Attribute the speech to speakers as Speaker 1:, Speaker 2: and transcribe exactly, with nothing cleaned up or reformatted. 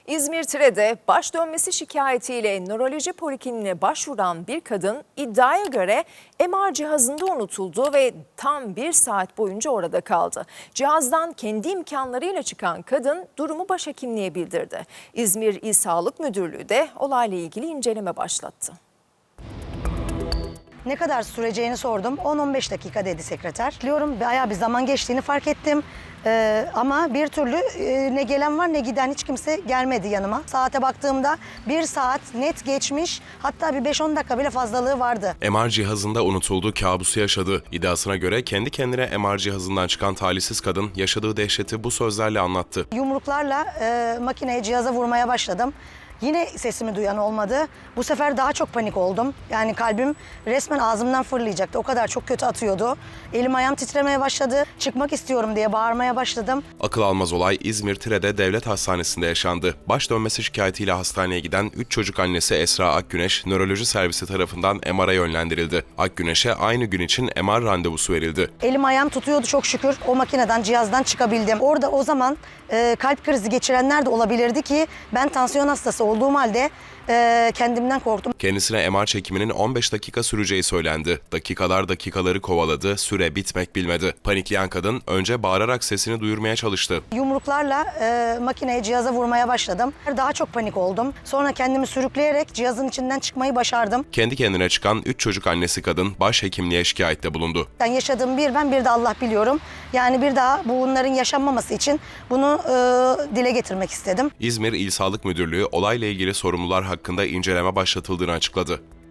Speaker 1: İzmir Tire'de baş dönmesi şikayetiyle nöroloji polikliniğine başvuran bir kadın iddiaya göre M R cihazında unutuldu ve tam bir saat boyunca orada kaldı. Cihazdan kendi imkanlarıyla çıkan kadın durumu başhekimliğe bildirdi. İzmir İl Sağlık Müdürlüğü de olayla ilgili inceleme başlattı.
Speaker 2: Ne kadar süreceğini sordum. on on beş dakika dedi sekreter. Biliyorum bayağı bir zaman geçtiğini fark ettim. Ee, ama bir türlü e, ne gelen var ne giden hiç kimse gelmedi yanıma. Saate baktığımda bir saat net geçmiş, hatta bir beş on dakika bile fazlalığı vardı.
Speaker 3: M R cihazında unutuldu, kabusu yaşadı. İddiasına göre kendi kendine M R cihazından çıkan talihsiz kadın yaşadığı dehşeti bu sözlerle anlattı.
Speaker 2: Yumruklarla e, makineye, cihaza vurmaya başladım. Yine sesimi duyan olmadı. Bu sefer daha çok panik oldum. Yani kalbim resmen ağzımdan fırlayacaktı. O kadar çok kötü atıyordu. Elim ayağım titremeye başladı. Çıkmak istiyorum diye bağırmaya başladım.
Speaker 3: Akıl almaz olay İzmir Tire'de devlet hastanesinde yaşandı. Baş dönmesi şikayetiyle hastaneye giden üç çocuk annesi Esra Akgüneş, nöroloji servisi tarafından M R'a yönlendirildi. Akgüneş'e aynı gün için M R randevusu verildi.
Speaker 2: Elim ayağım tutuyordu çok şükür. O makineden, cihazdan çıkabildim. Orada o zaman e, kalp krizi geçirenler de olabilirdi ki ben tansiyon hastası olduğum halde e, kendimden korktum.
Speaker 3: Kendisine M R çekiminin on beş dakika süreceği söylendi. Dakikalar dakikaları kovaladı, süre bitmek bilmedi. Panikleyen kadın önce bağırarak sesini duyurmaya çalıştı.
Speaker 2: Yumruklarla e, makineye, cihaza vurmaya başladım. Daha çok panik oldum. Sonra kendimi sürükleyerek cihazın içinden çıkmayı başardım.
Speaker 3: Kendi kendine çıkan üç çocuk annesi kadın başhekimliğe şikayette bulundu.
Speaker 2: Ben yaşadığım bir ben bir de Allah biliyorum. Yani bir daha bunların yaşanmaması için bunu e, dile getirmek istedim.
Speaker 3: İzmir İl Sağlık Müdürlüğü olayla ilgili sorumlular hakkında inceleme başlatıldığını açıkladı.